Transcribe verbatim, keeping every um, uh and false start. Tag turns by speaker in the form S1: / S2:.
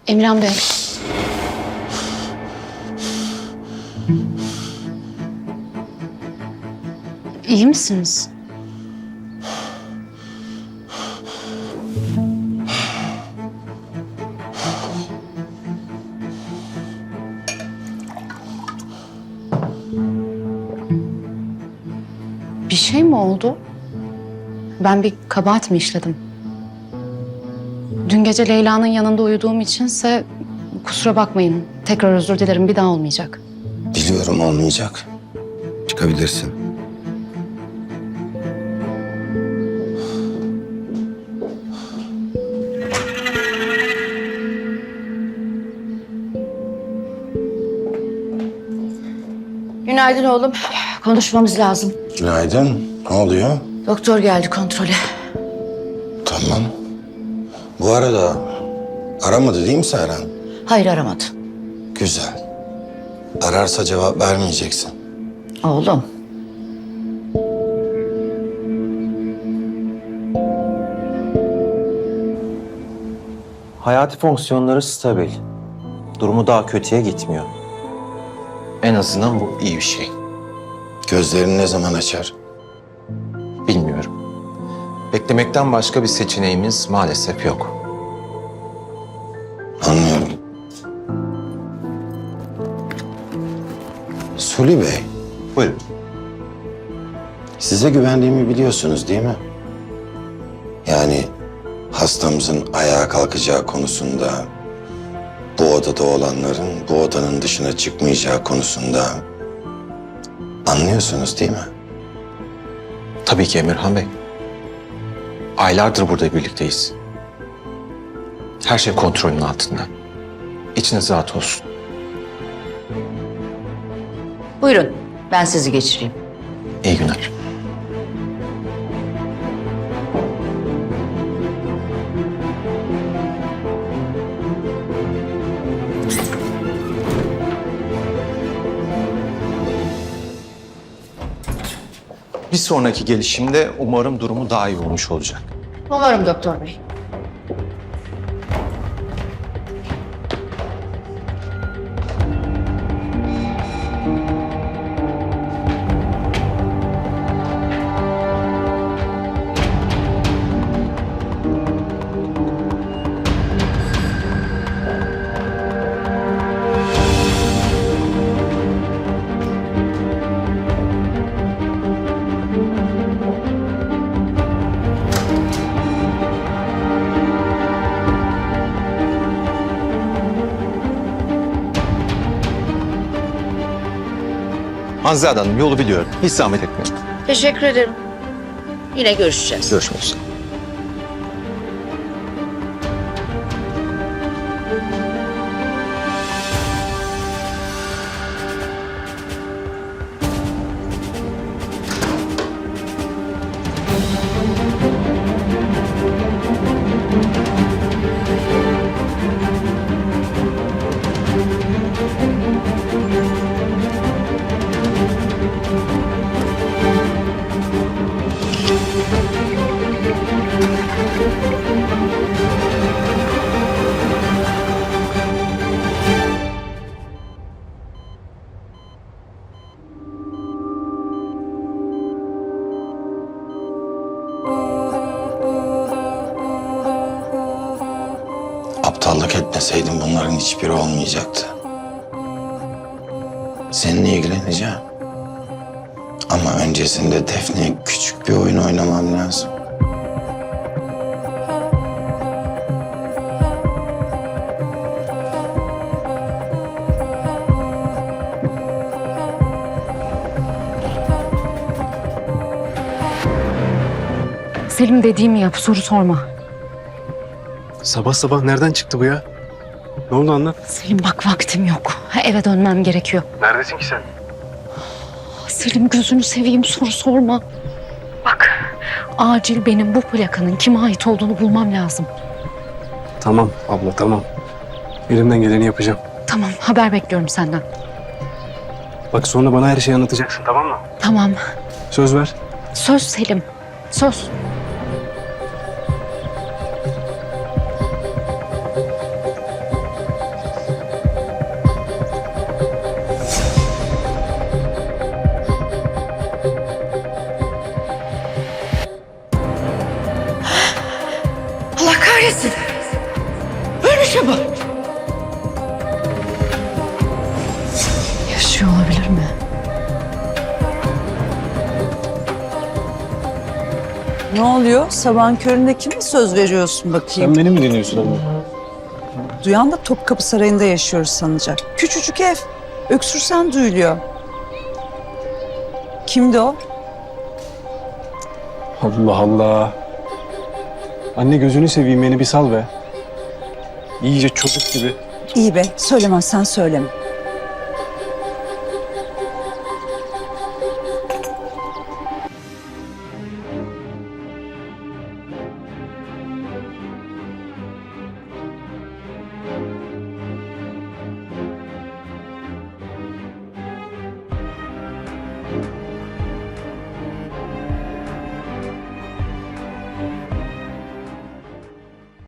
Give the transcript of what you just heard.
S1: Emirhan Bey. İyi misiniz? Bir şey mi oldu? Ben bir kabahat mi işledim? Dün gece Leyla'nın yanında uyuduğum içinse kusura bakmayın. Tekrar özür dilerim, bir daha olmayacak.
S2: Biliyorum olmayacak. Çıkabilirsin.
S3: Günaydın oğlum. Konuşmamız lazım.
S2: Günaydın. Ne oluyor?
S3: Doktor geldi kontrole.
S2: Tamam. Bu arada aramadı değil mi Serhan?
S3: Hayır, aramadı.
S2: Güzel. Ararsa cevap vermeyeceksin.
S3: Oğlum.
S4: Hayati fonksiyonları stabil. Durumu daha kötüye gitmiyor. En azından bu iyi bir şey.
S2: Gözlerini ne zaman açar?
S4: Bilmiyorum. Beklemekten başka bir seçeneğimiz maalesef yok.
S2: Anlıyorum. Suli Bey,
S4: Buyurun.
S2: size güvendiğimi biliyorsunuz değil mi? Yani hastamızın ayağa kalkacağı konusunda, bu odada olanların bu odanın dışına çıkmayacağı konusunda anlıyorsunuz değil mi?
S4: Tabii ki Emirhan Bey. Aylardır burada birlikteyiz. Her şey kontrolün altında. İçiniz rahat olsun.
S3: Buyurun, ben sizi geçireyim.
S4: İyi günler. Bir sonraki gelişimde umarım durumu daha iyi olmuş olacak.
S3: Umarım doktor bey.
S4: Hanzade Hanım yolu biliyorum. Hiç zahmet etmeyin.
S3: Teşekkür ederim. Yine görüşeceğiz.
S4: Görüşmek üzere.
S2: Aptallık etmeseydim bunların hiçbiri olmayacaktı. Seninle ilgileneceğim. Ama öncesinde Defne'ye küçük bir oyun oynamam lazım.
S1: Selim, dediğimi yap, soru sorma.
S5: Sabah sabah nereden çıktı bu ya? Ne oldu anlat.
S1: Selim bak, vaktim yok. Eve dönmem gerekiyor.
S5: Neredesin ki sen?
S1: Selim, gözünü seveyim, soru sorma. Bak, acil benim bu plakanın kime ait olduğunu bulmam lazım.
S5: Tamam abla tamam. Elimden geleni yapacağım.
S1: Tamam, haber bekliyorum senden.
S5: Bak sonra bana her şeyi anlatacaksın tamam mı?
S1: Tamam,
S5: Söz ver.
S1: söz Selim, söz. şey olabilir mi?
S6: Ne oluyor? Sabahın köründe kime söz veriyorsun bakayım?
S5: Sen beni mi dinliyorsun ama?
S6: Duyan da Topkapı Sarayı'nda yaşıyoruz sanacak. Küçücük ev. Öksürsen duyuluyor. Kimdi o?
S5: Allah Allah. Anne gözünü seveyim beni bir sal be. İyice çocuk gibi.
S6: İyi be, söylemezsen söyleme.